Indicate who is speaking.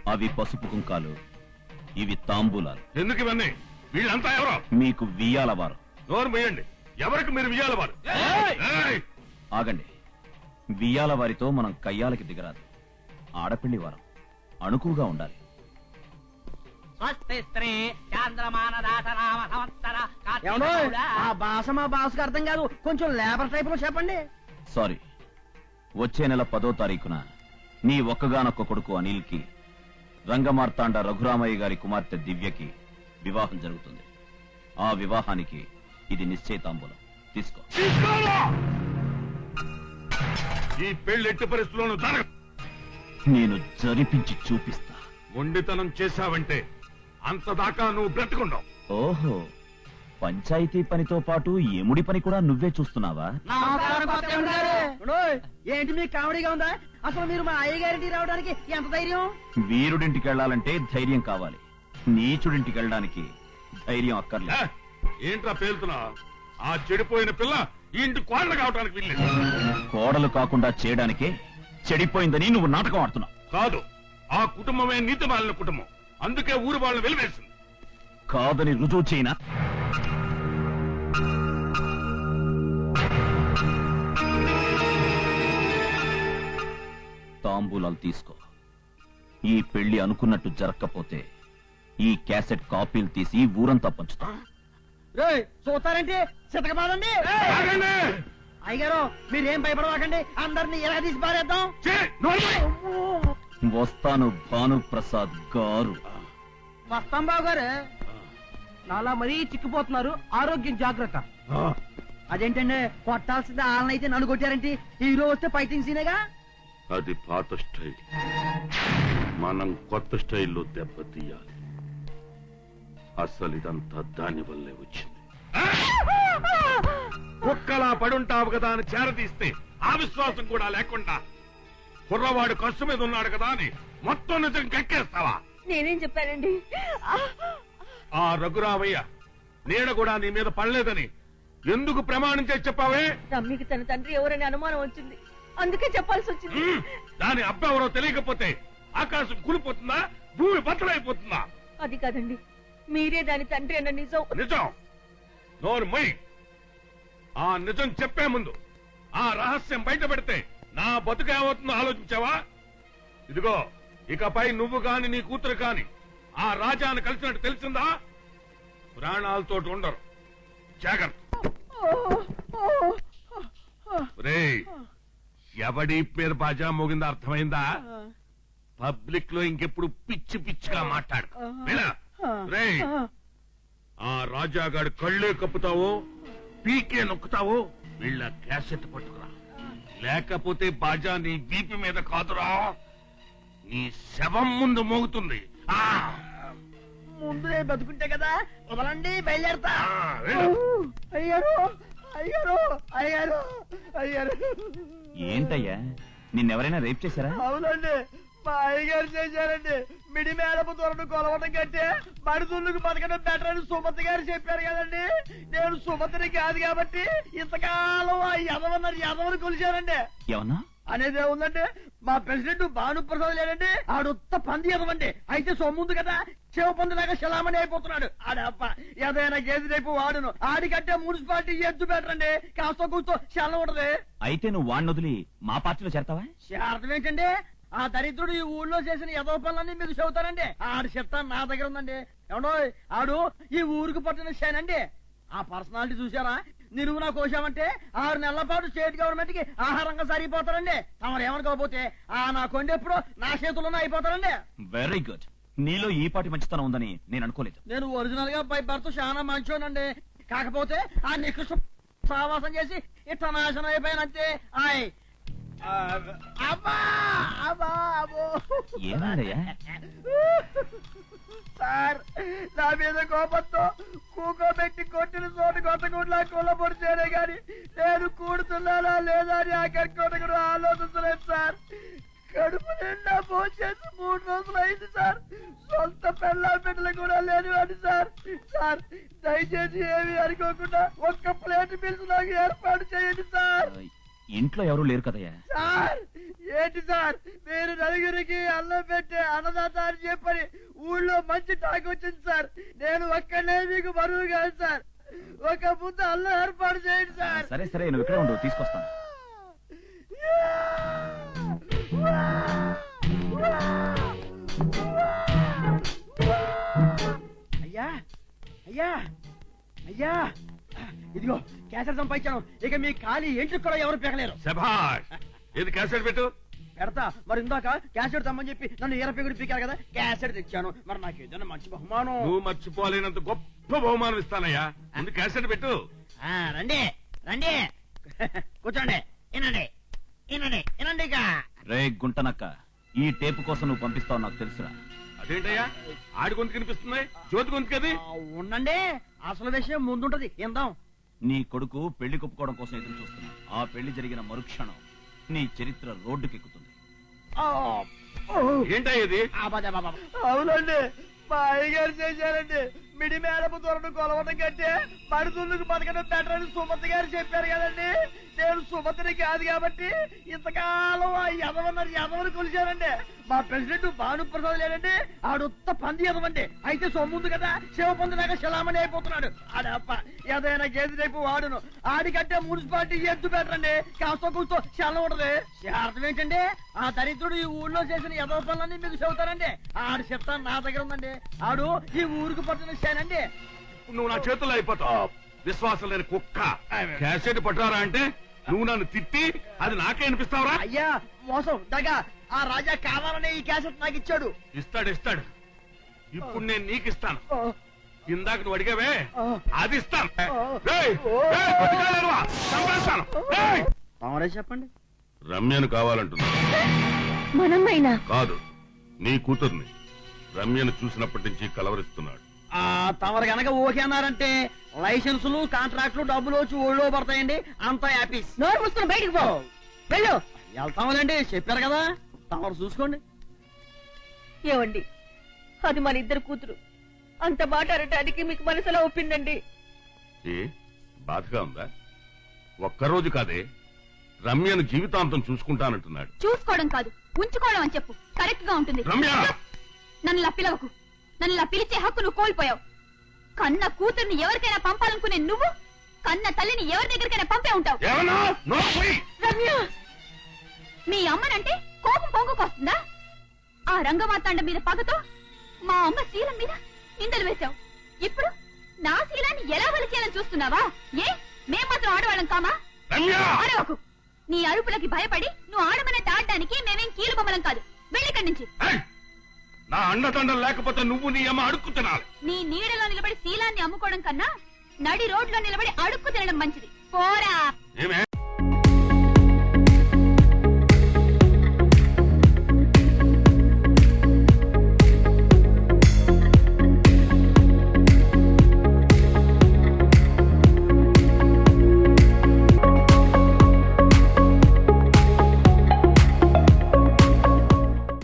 Speaker 1: అవి పసుపు కుంకాలు, ఇవి తాంబూలాలు.
Speaker 2: ఎందుకు ఇవన్నీ? వీళ్ళంతా ఎవరో?
Speaker 1: మీకు వియ్యాల వారు.
Speaker 2: నోరు మూయండి. ఎవరికి మీరు వియ్యాల వారు?
Speaker 1: ఆగండి. వియ్యాల వారితో మనం కయ్యాలకి దిగరాదు. ఆడపిల్లి వారం అణుకుగా ఉండాలి.
Speaker 3: భాష మా భాషకు అర్థం కాదు, కొంచెం లేబర్ టైప్ లో చెప్పండి.
Speaker 1: సారీ. వచ్చే నెల 10వ తారీఖున నీ ఒక్కగానొక్క కొడుకు అనిల్ కి రంగమార్తాండ రఘురామయ్య గారి కుమార్తె దివ్యకి వివాహం జరుగుతుంది. ఆ వివాహానికి ఇది నిశ్చయితాంబూలం. తీసుకో.
Speaker 2: ఈ పెళ్లి ఎట్టి పరిస్థితుల్లోనూ జరగదు.
Speaker 1: నేను జరిపించి చూపిస్తా.
Speaker 2: మొండితనం చేశావంటే అంతదాకా నువ్వు బ్రతుకుండవు.
Speaker 1: ఓహో, పంచాయతీ పనితో పాటు ఎముడి పని కూడా నువ్వే చూస్తున్నావా?
Speaker 3: ఏంటి మీకు కామెడీగా ఉందా? అసలు మీరు మా అయ్యగారింటికి రావడానికి ఎంత ధైర్యం?
Speaker 1: వీరుడింటికి వెళ్లాలంటే ధైర్యం కావాలి. నీచుడింటికి వెళ్ళడానికి ధైర్యం అక్కర్లేదు.
Speaker 2: ఏంట్రా పేలుతున్నా? ఆ చెడిపోయిన పిల్ల ఈ ఇంటి కోడలు కావడానికి వీల్లేదు.
Speaker 1: కోడలు కాకుండా చేయడానికే చెడిపోయిందని నువ్వు నాటకం ఆడుతున్నావు.
Speaker 2: కాదు, ఆ కుటుంబమే నీతి మాలిన కుటుంబం. అందుకే ఊరు వాళ్ళని వెలివేసింది.
Speaker 1: కాదని రుజువు చేయనా? తాంబూలాలు తీసుకో. ఈ పెళ్లి అనుకున్నట్టు జరగకపోతే ఈ క్యాసెట్ కాపీలు తీసి ఊరంతా పంచుతా.
Speaker 3: చూస్తారంటే చితకబాదండి. అయ్యగారు మీరేం భయపడవాకండి, అందరినీ ఎలా తీసి పారేద్దాం.
Speaker 1: వస్తాను భానుప్రసాద్ గారు.
Speaker 3: వస్తాం బాబు గారు. నాలా మరీ చిక్కిపోతున్నారు, ఆరోగ్యం జాగ్రత్త. అదేంటండి, కొట్టాల్సింది వాళ్ళనైతే నన్ను కొట్టారంటే హీరో వస్తే ఫైటింగ్ సీనేగా.
Speaker 2: అది పాత స్టైల్. మనం కొత్త స్టైల్లో దెబ్బతీయాలి. అసలు ఇదంతా దాని వల్లే వచ్చింది. కుక్కలా పడుంటావు కదా అని చేరదీస్తే ఆ విశ్వాసం కూడా లేకుండా కుర్రవాడు కష్టం మీద ఉన్నాడు కదా అని మొత్తం నిజం కక్కేస్తావా?
Speaker 4: నేనేం చెప్పానండి?
Speaker 2: ఆ రఘురామయ్య నీడ కూడా నీ మీద పడలేదని ఎందుకు ప్రమాణం చేసి చెప్పావే?
Speaker 4: రమ్మికి తన తండ్రి ఎవరని అనుమానం వచ్చింది, అందుకే చెప్పాల్సి వచ్చింది.
Speaker 2: దాని అబ్బా ఎవరో తెలియకపోతే ఆకాశం కూలిపోతుందా, భూమి బద్దలైపోతుందా?
Speaker 4: అది కాదండి, మీరే దాని తండ్రి అన్న నిజం.
Speaker 2: నిజం నోరు మొయ్. ఆ నిజం చెప్పే ముందు ఆ రహస్యం బయట పెడితే నా బతుకు ఏమవుతుందో ఆలోచించావా? ఇదిగో, ఇకపై నువ్వు కాని నీ కూతురు కాని ఆ రాజాను కలిసినట్టు తెలిసిందా? ప్రాణాలతో ఉండరు. జాగ్రత్త. రేయ్, ఎవడి పేరు బాజా మోగిందా అర్థమైందా? పబ్లిక్ లో ఇంకెప్పుడు పిచ్చి పిచ్చిగా మాట్లాడు. రేయ్, ఆ రాజాగాడు కళ్ళే కప్పుతావో పీకే నొక్కుతావో వీళ్ళ క్యాసెట్ పట్టుకురా. లేకపోతే బాజా నీ వీపి మీద కాదురా, నీ శవం ముందు మోగుతుంది.
Speaker 3: ముందు బతుకుంటే కదా. వదలండి, బయలుదేరతా. అయ్యారు అయ్యారు అయ్యారు అయ్యారు.
Speaker 1: ఏంటయ్యా, నిన్నెవరైనా రేప్ చేశారా?
Speaker 3: అవునండి, మా అయ్యగారు చేశారండి. మిడి మేడపు త్వరను కొలవడం కంటే మడుతుళ్ళకు బతకడం బెటర్ అని సుమతి గారు చెప్పారు కదండి. నేను సుమతిని కాదు కాబట్టి ఇంతకాలం ఆ యదవని కొలిచారండి.
Speaker 1: ఏమన్నా
Speaker 3: అనేది ఏముందంటే, మా ప్రెసిడెంట్ భానుప్రసాద్ లేదండి, ఆడొత్త పంది ఎదవండి. అయితే సొమ్ముంది కదా, శివ పందిలాగా శలామణి అయిపోతున్నాడు. ఆడప్ప ఏదైనా గేది రేపు వాడును. ఆడికంటే మున్సిపాలిటీ ఎద్దు బెటరండి, కాస్త కూర్చో శలం ఉంటది.
Speaker 1: అయితే నువ్వు వాడిని వదిలి మా పార్టీలో చేరతావా?
Speaker 3: అర్థం ఏంటండి, ఆ దరిద్రుడు ఈ ఊళ్ళో చేసిన ఎదో పనులన్నీ మీకు చెబుతారండి. ఆడి చెప్తా నా దగ్గర ఉందండి. ఏమండో, ఆడు ఈ ఊరికి పట్టిన షేనండి. ఆ పర్సనాలిటీ చూసారా? నిలువునా కోశామంటే 6 నెలల పాటు స్టేట్ గవర్నమెంట్ కి ఆహారంగా సరిపోతారండి. తమరు ఏమనుకోకపోతే ఆ నా కొండెప్పుడు నా చేతుల్లోనే అయిపోతారండి.
Speaker 1: Very good. నీలో ఈ పాటి మంచితనం ఉందని నేను అనుకోలేదు.
Speaker 3: నేను ఒరిజినల్ గా బై బర్త్ చాలా మంచోనండి. కాకపోతే ఆ నికృష్ట సావాసం చేసి ఇట్లా నాశనం అయిపోయానంతే.
Speaker 1: ఏమైందయ్యా?
Speaker 3: సార్, నా మీద కోపంతో కూకోబెట్టి కొట్టిన చోటు కొట్టకుండా కొల్లబొడితేనే గాని నేను కూడుతున్నానా లేదా అని ఆ కట్టుకోట ఆలోచించలేదు సార్. కడుపు నిండా భోంచేసి 3 రోజులు అయింది సార్. సొంత పెళ్ళ బిడ్డలు కూడా లేనివాడి సార్. సార్, దయచేసి ఏమి అనుకోకుండా ఒక్క ప్లేట్ బిల్స్ నాకు ఏర్పాటు చేయండి సార్.
Speaker 1: ఇంట్లో ఎవరూ లేరు కదయ్యా.
Speaker 3: సార్ ఏంటి సార్ మీరు నలుగురికి అన్నం పెట్టే అన్నదాత అని చెప్పని ఊళ్ళో మంచి టాక్ వచ్చింది సార్. నేను ఒక్కనే మీకు బరువు కాదు సార్. ఒక ముందు అల్లం ఏర్పాటు చేయండి సార్.
Speaker 1: సరే సరే, నువ్వు ఇక్కడే ఉండు, తీసుకొస్తాను.
Speaker 3: అయ్యా అయ్యా అయ్యా, ఇదిగో క్యాసెట్ సంపాదించాను. ఇక మీ ఖాళీ ఏంటి కూడా ఎవరు పెగలేరు.
Speaker 2: శభాష్. ఏది క్యాసెట్ పెట్టు.
Speaker 3: పెడతా. మరి ఇందాక క్యాసెట్ తెమ్మని చెప్పి నన్ను ఈరపెగుడు పీకారు కదా, క్యాసెట్ తెచ్చాను. మరి నాకు ఏదైనా మంచి బహుమానం.
Speaker 2: నువ్వు మర్చిపోలేనంత గొప్ప బహుమానం ఇస్తానయ్యా. ముందు క్యాసెట్ పెట్టు.
Speaker 3: రండి రండి కూర్చోండి, వినండి వినండి వినండి. ఇక
Speaker 1: రే గుంటనక్క, ఈ టేపు కోసం నువ్వు పంపిస్తావు నాకు తెలుసురా.
Speaker 2: అదేంటయ్యా, ఆడి గొంతు కనిపిస్తుంది, జ్యోతి గొంతు కది.
Speaker 3: ఉండండి, అసలు విషయం ముందుంటది, ఇందాం.
Speaker 1: నీ కొడుకు పెళ్లి కొప్పుకోవడం కోసం ఎదురు చూస్తున్నా. ఆ పెళ్లి జరిగిన మరుక్షణం నీ చరిత్ర రోడ్డుకెక్కుతుంది.
Speaker 2: ఏంటయ్యా ఇది?
Speaker 3: అవునండి, మా అయ్యగారు చేశారండి. మిడి మేడపు దొరను కొలవడం కంటే మడుతుళ్ళకు బతకడం బెటర్ అని సుమతి గారు చెప్పారు కదండి. నేను సుమతిని కాదు కాబట్టి ఇంతకాలం ఆ యదవని కొలిచానండి. మా ప్రెసిడెంట్ భానుప్రసాద్ లేదండి, ఆడుత్త పంది యదవండి. అయితే సొమ్ముంది కదా, శివ పొందినాక శలామణి అయిపోతున్నాడు. ఆడప్ప ఏదైనా గేది రేపు వాడును. ఆడికంటే మున్సిపాలిటీ ఎద్దు బెటరండి, కాస్త కూర్చో శలం ఉంటది. అర్థం ఏంటండి, ఆ దరిద్రుడు ఈ ఊళ్ళో చేసిన యదవ పనులన్నీ మీకు చెబుతారండి. ఆడు చెప్తాను నా దగ్గర ఉందండి. ఆడు ఈ ఊరికి పట్టిన శానండి.
Speaker 2: నువ్వు నా చేతుల్లో అయిపోతావు, విశ్వాసం లేని కుక్క. క్యాసెట్ పట్టారా అంటే నువ్వు నన్ను తిట్టి అది నాకే అనిపిస్తావురా?
Speaker 3: అయ్యా మోసం దగా, ఆ రాజా కావాలనే ఈ క్యాసెట్ నాకు ఇచ్చాడు.
Speaker 2: ఇస్తాడు ఇస్తాడు. ఇప్పుడు నేను నీకు ఇస్తాను. ఇందాక నువ్వు అడిగావే, అది ఇస్తాను. ఏయ్, ఏయ్, బతికాలేరువా? చంపేస్తాను. ఏయ్!
Speaker 3: తమరే చెప్పండి.
Speaker 2: రమ్యను కావాలంటున్నా.
Speaker 4: మనమ్మైనా
Speaker 2: కాదు, నీ కూతుర్ని. రమ్యను చూసినప్పటి నుంచి కలవరిస్తున్నాడు.
Speaker 3: తమరు గనక ఓకే అన్నారంటే లైసెన్సులు కాంట్రాక్టులు డబ్బులు వచ్చి ఊళ్ళో పడతాయండి. అంతా హ్యాపీస్.
Speaker 4: నోరు మూసుకుని బయటికి పో. వెళ్ళు.
Speaker 3: వెళ్తామలండి, చెప్పారు కదా, తమరు చూసుకోండి.
Speaker 4: ఏవండి, అది మన ఇద్దరు కూతురు. అంత మాట అనటానికి మీకు మనసులో ఒప్పిందండి.
Speaker 2: ఏ బాధగా ఉందా? ఒక్కరోజు కాదే, రమ్యను జీవితాంతం చూసుకుంటానంటున్నాడు.
Speaker 5: చూసుకోవడం కాదు, ఉంచుకోవడం అని చెప్పు, కరెక్ట్ గా ఉంటుంది.
Speaker 2: రమ్య,
Speaker 5: నన్ను ఇలా పిలవకు. నన్ను ఇలా పిలిచే హక్కు నువ్వు కోల్పోయావు. కన్న కూతుర్ని ఎవరికైనా పంపాలనుకునే నువ్వు కన్న తల్లిని ఎవరి దగ్గరికైనా పంపే ఉంటావు.
Speaker 2: ఏమన్నా? నోరు మూయి.
Speaker 5: రమ్య, మీ అమ్మనంటే కోపం పొంగుకొస్తుందా? ఆ రంగమార్తాండ మీద పగతో మా అమ్మ శీలం మీద నిందలు వేశావు. ఇప్పుడు నా శీలాన్ని ఎలా వలిచేయాలని చూస్తున్నావా? ఏ మేం మాత్రం ఆడవాళ్ళం కామా?
Speaker 2: రమ్య,
Speaker 5: ఆడవకు. నీ అరుపులకి భయపడి నువ్వు ఆడమన్నట్టు ఆడడానికి మేమేం కీలు బొమ్మలం కాదు. వెళ్ళిక్కడి నుంచి.
Speaker 2: ఏయ్! నా అండదండలు లేకపోతే నువ్వు నీ అమ్మ అడుక్కు తినాలి.
Speaker 5: నీ నీడలో నిలబడి శీలాన్ని అమ్ముకోవడం కన్నా నడి రోడ్లో నిలబడి అడుక్కు తినడం మంచిది. పోరా.